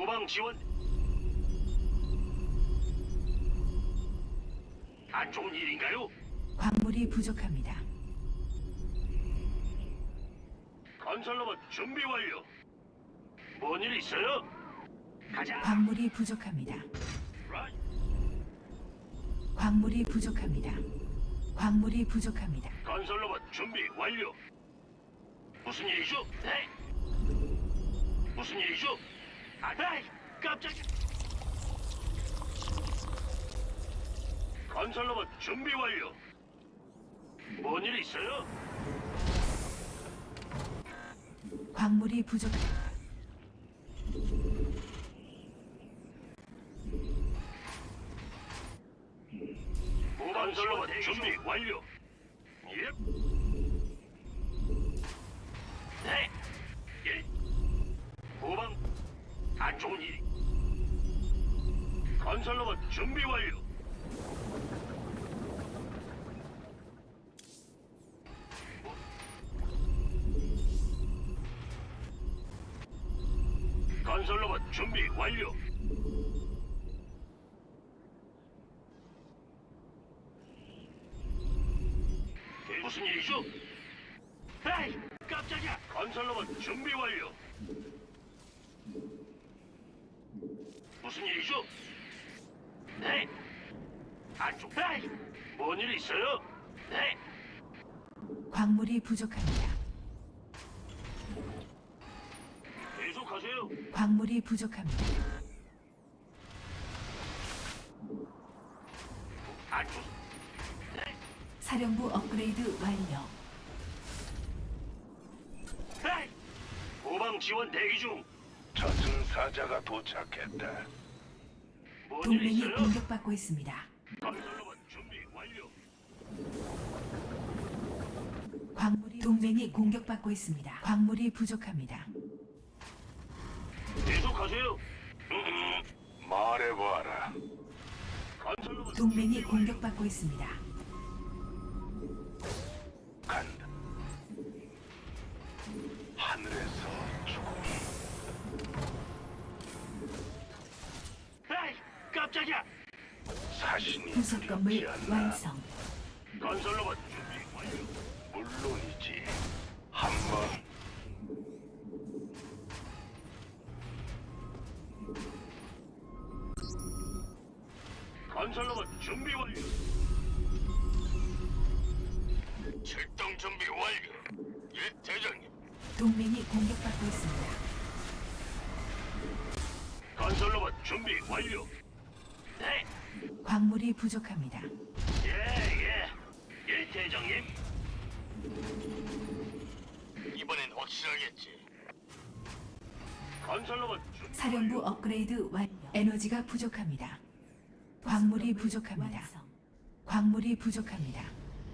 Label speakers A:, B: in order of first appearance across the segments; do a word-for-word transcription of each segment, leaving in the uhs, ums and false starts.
A: 후방 지원. 안 좋은 일인가요?
B: 광물이 부족합니다.
A: 건설로봇 준비 완료. 뭔 일 있어요? 가자.
B: 광물이 부족합니다.
A: 라이.
B: 광물이 부족합니다. 광물이 부족합니다.
A: 건설로봇 준비 완료. 무슨 일이죠? 네. 무슨 일이죠? 아, 네. 깜짝이야. 건설로봇 준비 완료. 뭔 일 있어요?
B: 광물이 부족합니다.
A: 건설로봇 준비 완료. 예. 네. 예. 후방 안 좋은 일. 건설로봇 준비 완료. 건설로봇 준비 완료. 무슨 일이죠? 에이, 깜짝이야. 건설로봇 준비 완료. 무슨 일이죠? 네. 안쪽. 에이, 뭔일 있어요? 네.
B: 광물이 부족합니다.
A: 계속하세요.
B: 광물이 부족합니다.
A: 안쪽. 네.
B: 사령부 업그레이드 완료.
A: 에이, 후방 지원 대기 중.
C: 저승사자가 도착했다.
A: 뭔일
B: 동맹이
A: 있어요?
B: 공격받고 있습니다.
A: 건설로봇 준비 완료.
B: 광물이 동맹이 공격받고 있습니다. 광물이 부족합니다.
A: 계속하세요. 음,
C: 말해봐라.
A: 건설로봇
B: 동맹이
A: 준비 완료.
B: 공격받고 있습니다.
C: 간다. 하늘에서 죽음이
A: 에이, 깜짝이야.
C: 사신이
B: 부속 건물
C: 두렵지 않나.
B: 완성.
A: 건설로봇 준비 완료.
C: 물론이지. 한번
A: 건설로봇 준비 완료. 출동 준비 완료. 예, 대장님.
B: 동맹이 공격받고 있습니다.
A: 건설로봇 준비 완료. 네,
B: 광물이 부족합니다.
A: 예, 예. 예, 대장님. 이번엔 확실하겠지. 건설로봇 준비
B: 사령부
A: 완료.
B: 업그레이드 완료. 에너지가 부족합니다. 광물이 부족합니다. 광물이 부족합니다.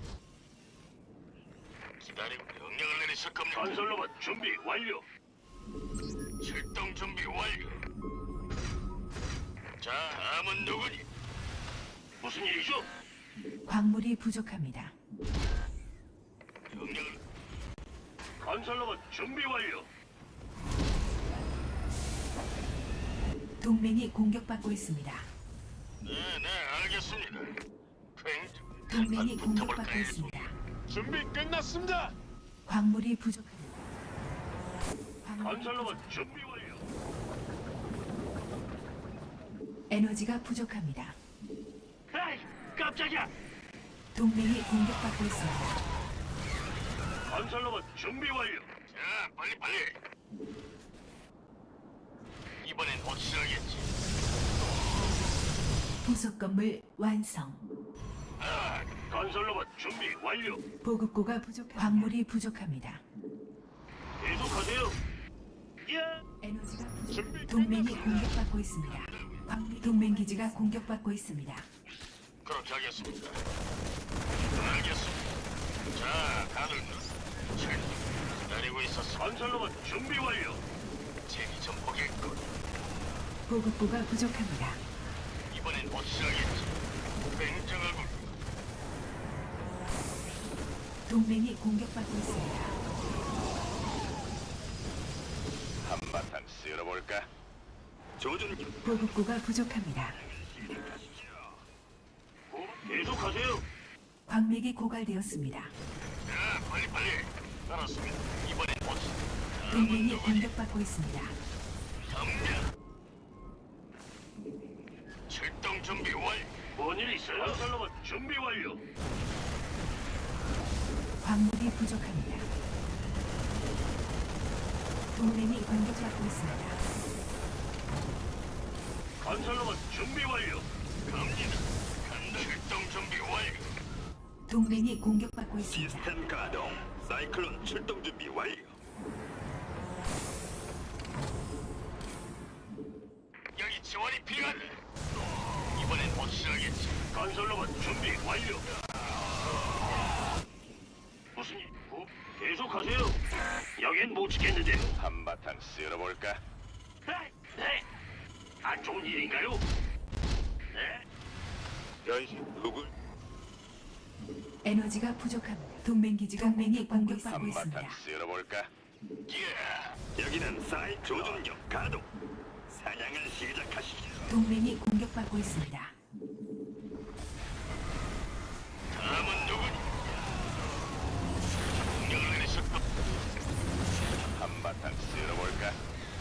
A: 기다리고 명령을 내리실 겁니다. 건설로봇 준비 완료. 출동 준비 완료. 자, 다음은 누구니? 무슨 일이죠?
B: 광물이 부족합니다.
A: 명령을. 건설로봇 준비 완료.
B: 동맹이 공격받고 있습니다.
A: 네, 네, 알겠습니다. 팽.
B: 동맹이
A: 한판
B: 공격받고
A: 붙어볼까요?
B: 있습니다.
A: 준비 끝났습니다.
B: 광물이 부족합니다. 광물이
A: 건설로봇
B: 부족-
A: 준비 완료.
B: 에너지가 부족합니다.
A: 에이, 깜짝이야.
B: 동맹이 공격받고 있습니다.
A: 건설로봇 준비 완료. 자, 빨리 빨리. 이번엔 확실하겠지.
B: 부속 건물 완성.
A: 아, 건설로봇 준비 완료.
B: 보급고가 부족. 광물이 부족합니다.
A: 계속하세요. 예.
B: 에너지가 부족.
A: 준비
B: 동맹이
A: 끝났습니다.
B: 공격받고 있습니다. 광- 동맹 기지가 공격받고 있습니다.
A: 그렇게 하겠습니다. 알겠습니다. 자, 다들 잘 기다리고 있었어. 건설로봇 준비 완료. 재미 좀 보겠군.
B: 보급고가 부족합니다.
A: 이번엔 확실하겠지. 굉장하군.
B: 동맹이 공격받고 있습니다.
C: 한바탕 쓸어볼까?
A: 조준
B: 보급고가 부족합니다.
A: 계속하세요.
B: 광맥이 고갈되었습니다.
A: 자, 빨리 빨리. 알았습니다. 이번엔 보스.
B: 동맹이 공격받고 있습니다.
A: 덤벼. 출동 준비 완료. 뭔일 있어요? 건설로봇 준비 완료.
B: 광물이 부족합니다. 동맹이 공격받고 있습니다.
A: 건설로봇 준비 완료. 갑니다. 간다. 출동 준비 완료.
B: 동맹이 공격받고 있습니다.
A: 시스템 가동. 사이클론 출동 준비 완료. 여기 지원이 필요하다. 이번엔 확실하겠지. 건설로봇 준비 완료. 무슨 일? 어? 계속하세요. 여긴 못 지켰는데. 한바탕 쓸어볼까? 네. 네. 안 좋은 일인가요? 네. 변신 누굴?
B: 에너지가 부족합니다. 동맹 기지가 동맹이 공격받고 있습니다.
A: 한바탕 쓸어볼까? 예. 여기는 사이 조준력 가동. 사냥을 시작하시죠.
B: 동맹이 공격받고 있습니다.
A: 다음은 누구니? 공격을 내리셨다. 한바탕 쓸어볼까?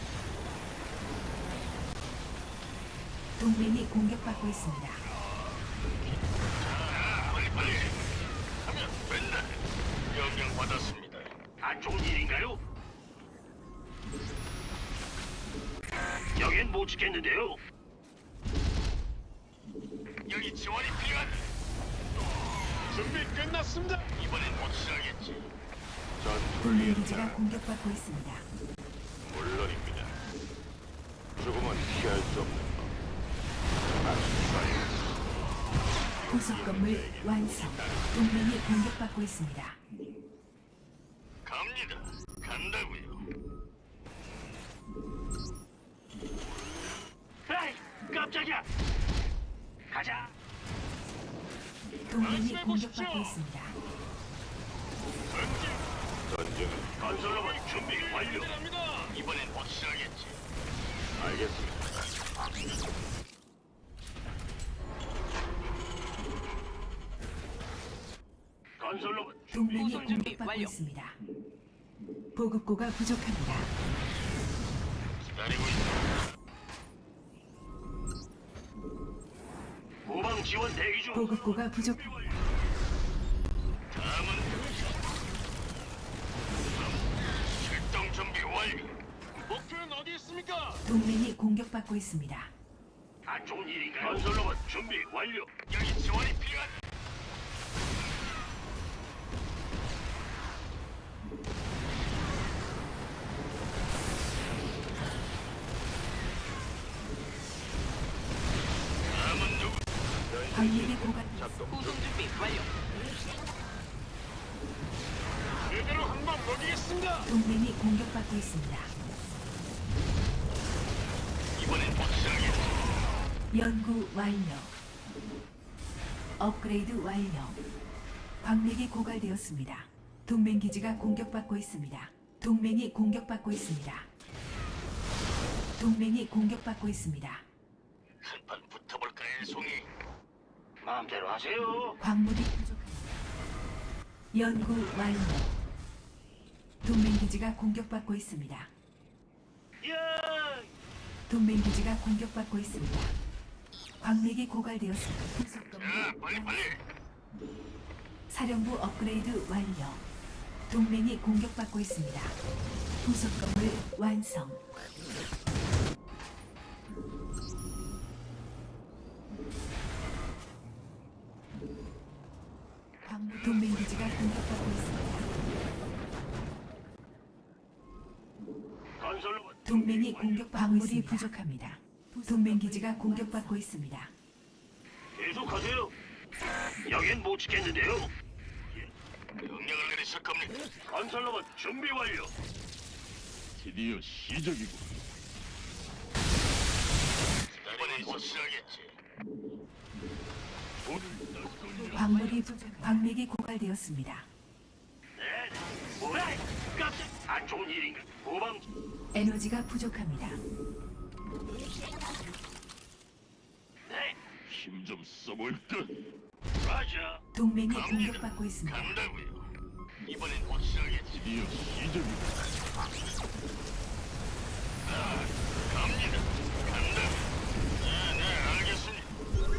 B: 동맹이 공격받고 있습니다.
A: 자, 빨리 빨리. 하면 맨날 명령 받았습니다. 안 좋은 일인가요? 여긴 못 지켰는데요. 여기 지원이 필요하다. 준비 끝났습니다. 이번엔 확실하겠지.
B: 동맹 기지가 공격받고 있습니다.
A: 물론입니다. 죽음은 피할 수 없는 법.
B: 부속 건물 완성. 동맹이 공격받고 있습니다.
A: 갑니다. 간다고요. 에이, 깜짝이야. 가자.
B: 동맹이 공격받고 있습니다.
A: 전진. 전쟁은 건설로봇 준비 완료. 이번엔 확실하겠지. 알겠습니다. 건설로봇
B: 동맹이 공격받고 있습니다. 보급고가 부족합니다.
A: 기다리고 있다. 후방 지원 대기 중.
B: 보급고가 부족합니다.
A: 다음은 출동 준비 완료. 목표는 어디 있습니까?
B: 동맹이 공격받고 있습니다.
A: 안 좋은 일인가요? 건설로봇 준비 완료. 여기 지원이 필요하다. 다음은 누구?
B: 광맥이 고갈.
D: 구송 준비 완료.
A: 제대로 한방 먹이겠습니다.
B: 동맹이 공격받고 있습니다.
A: 이번엔 확실하겠지.
B: 연구 완료. 업그레이드 완료. 광맥이 고갈되었습니다. 동맹 기지가 공격받고 있습니다. 동맹이 공격받고 있습니다. 동맹이 공격받고 있습니다.
A: 한판 붙어볼까요, 송이? 마음대로 하세요.
B: 광물이 부족합니다. 연구 완료. 동맹 기지가 공격받고 있습니다.
A: 야!
B: 동맹 기지가 공격받고 있습니다. 광맥이 고갈되었습니다. 부속 건물
A: 자, 빨리 빨리.
B: 사령부 업그레이드 완료. 동맹이 공격받고 있습니다. 부속 건물 완성. 광물 동맹 기지가 공격받고 있습니다.
A: 건설로봇
B: 동맹이 공격받고 있습니다. 부족합니다. 동맹 기지가 공격받고 있습니다.
A: 계속하세요. 여긴 못 지켰는데요. 명령을 내리실 겁니다. 건설로봇 준비 완료.
C: 드디어 시작이고.
A: 이번엔 확실하겠지.
B: 광물이 부족, 광맥이 고갈되었습니다.
A: 네. 뭐야? 깜짝. 안 좋은 일인가? 후방
B: 에너지가 부족합니다.
A: 네,
C: 힘 좀 써볼까?
A: 라자.
B: 동맹이
A: 갑니다.
B: 공격받고 있습니다.
A: 간다고요. 이번엔 확실하겠지.
C: 드디어 시작이군.
A: 갑니다. 간다. 네, 네, 알겠습니다.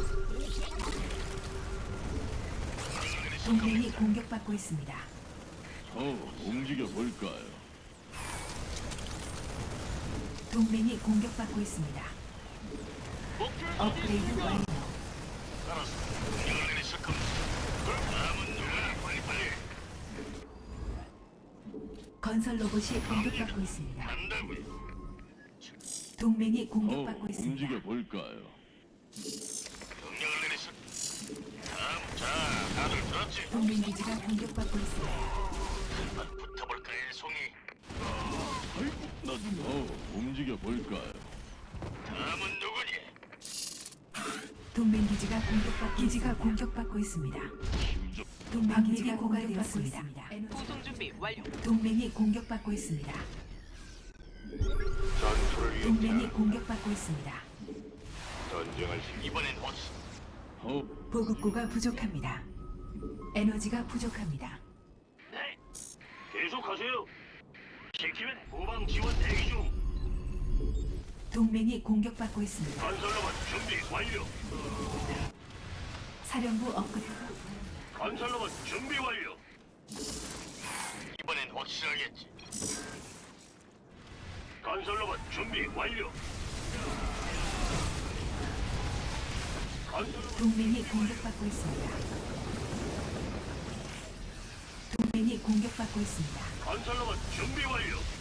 A: 명령을 내리실
B: 동맹이
A: 겁니까?
B: 공격받고 있습니다.
C: 더 움직여 볼까요?
B: 동맹이 공격받고 있습니다. 업그레이드 완료.
A: 알았습니다. 명령을 내리실 겁니다. 그럼 다음은 누구나 빨리빨리.
B: 건설 로봇이 공격받고 있습니다.
A: 간다고요.
B: 동맹이
C: 더
B: 공격받고 있습니다.
C: 움직여 볼까요?
A: 명령을 내리실. 다음, 자, 다들 들었지?
B: 동맹 기지가 공격받고 있습니다.
A: 한번 붙어볼까, 일송이.
C: 아이고, 나좀 더 움직여 볼까요?
A: 다음은 누구니?
B: 동맹 기지가 공격받 기지가 공격받고 있습니다.
C: 힘 좀.
B: 동맹 기지가 고갈되었습니다.
D: 구성 준비 완료.
B: 동맹이 공격받고 있습니다.
A: 전투를
B: 동맹이 공격받고 있습니다.
A: 전쟁할 시 이번엔 확실.
C: 더
B: 보급고가 부족합니다. 에너지가 부족합니다.
A: 네. 계속하세요. 시키면 후방 지원 대기 중.
B: 동맹이 공격받고 있습니다.
A: 건설로봇 준비 완료.
B: 사령부 업그레이드.
A: 건설로봇 준비 완료. 이번엔 확실하겠지. 건설로봇 준비 완료. 건설로봇
B: 동맹이 공격받고 있습니다. 동맹이 공격받고 있습니다.
A: 건설로봇 준비 완료.